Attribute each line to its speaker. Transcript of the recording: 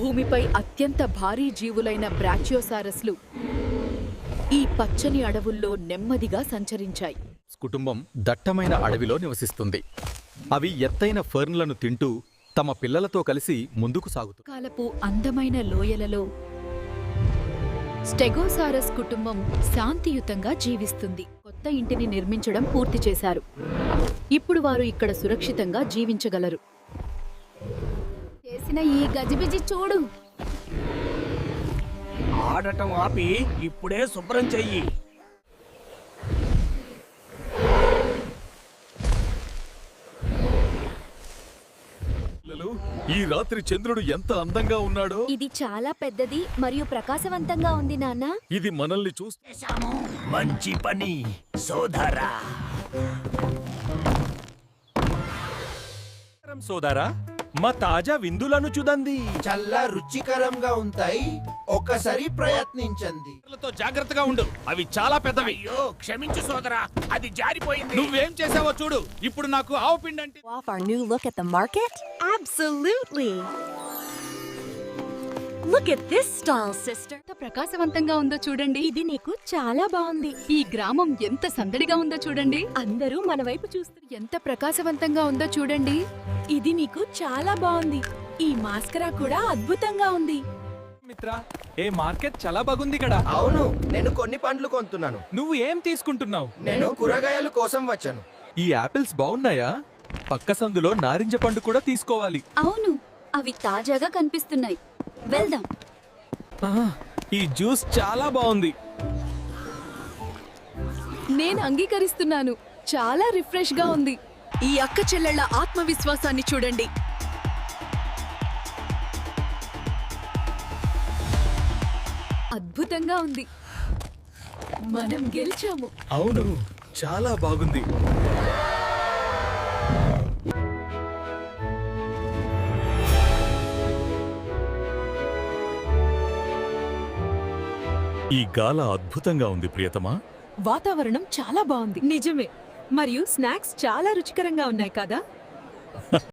Speaker 1: భూమిపై అత్యంత భారీ జీవులైన బ్రాచియోసారస్లు ఈ పచ్చని అడవుల్లో నెమ్మదిగా సంచరించాయి.
Speaker 2: కుటుంబం దట్టమైన అడవిలో నివసిస్తుంది. అవి ఎత్తైన ఫర్న్లను తింటూ తమ పిల్లలతో కలిసి ముందుకు సాగుతుంది.
Speaker 1: కాలపు అందమైన లోయలలో స్టెగోసారస్ కుటుంబం శాంతియుతంగా జీవిస్తుంది. కొత్త ఇంటిని నిర్మించడం పూర్తి చేశారు. ఇప్పుడు వారు ఇక్కడ సురక్షితంగా జీవించగలరు.
Speaker 3: చేసిన ఈ గజిబిజి చూడు.
Speaker 4: ఆడటం ఆపి ఇప్పుడే శుభ్రం చెయ్యి.
Speaker 2: ఈ రాత్రి చంద్రుడు ఎంత అందంగా ఉన్నాడో.
Speaker 3: ఇది చాలా పెద్దది మరియు ప్రకాశవంతంగా ఉంది నాన్న.
Speaker 2: ఇది మనల్ని చూస్తే
Speaker 4: మంచి పని సోదరా. సోదరా, మా తాజా విందులను చూడండి.
Speaker 5: చాలా రుచికరంగా ఉంటాయి. ఒక్కసారి ప్రయత్నించండి.
Speaker 2: జాగ్రత్తగా ఉండు, అవి చాలా పెద్దవి.
Speaker 4: అయ్యో క్షమించు సోదరా, అది జారిపోయింది.
Speaker 2: నువ్వేం చేసావో చూడు. ఇప్పుడు నాకు ఆవు పిండి అంటే
Speaker 6: Off our new look at the market? Absolutely! Look at this stall, sister.
Speaker 1: ఎంత ప్రకాశవంతంగా ఉందో చూడండి.
Speaker 6: ఇది నీకు చాలా బాగుంది.
Speaker 1: ఈ గ్రామం ఎంత సందడిగా ఉందో చూడండి.
Speaker 6: అందరూ మన వైపు చూస్తారు.
Speaker 1: ఎంత ప్రకాశవంతంగా ఉందో చూడండి.
Speaker 6: ఇది నీకు చాలా బాగుంది. ఈ మాస్కరా కూడా అద్భుతంగా ఉంది.
Speaker 7: మిత్రా, ఏ మార్కెట్ చాలా బాగుంది ఇక్కడ.
Speaker 5: అవును, నేను కొన్ని పండ్లు కొంటున్నాను.
Speaker 7: నువ్వు ఏం తీసుకుంటున్నావు?
Speaker 5: నేను కూరగాయల కోసం వచ్చాను.
Speaker 2: ఈ యాపిల్స్ బాగున్నాయా? పక్క సందులో నారింజ పండు కూడా తీసుకోవాలి.
Speaker 3: అవును, అవి తాజాగా కనిపిస్తున్నాయి. వెళ్దాం.
Speaker 7: ఈ జ్యూస్ చాలా బాగుంది.
Speaker 1: నేను అంగీకరిస్తున్నాను. చాలా రిఫ్రెష్ గా ఉంది. ఈ అక్క చెల్లెళ్ల ఆత్మవిశ్వాసాన్ని చూడండి. అద్భుతంగా ఉంది. మనం గెలిచాము.
Speaker 2: అవును, చాలా బాగుంది. ఈ గాల అద్భుతంగా ఉంది ప్రియతమా.
Speaker 6: వాతావరణం చాలా బాగుంది. నిజమే. మరియు స్నాక్స్ చాలా రుచికరంగా ఉన్నాయి కదా.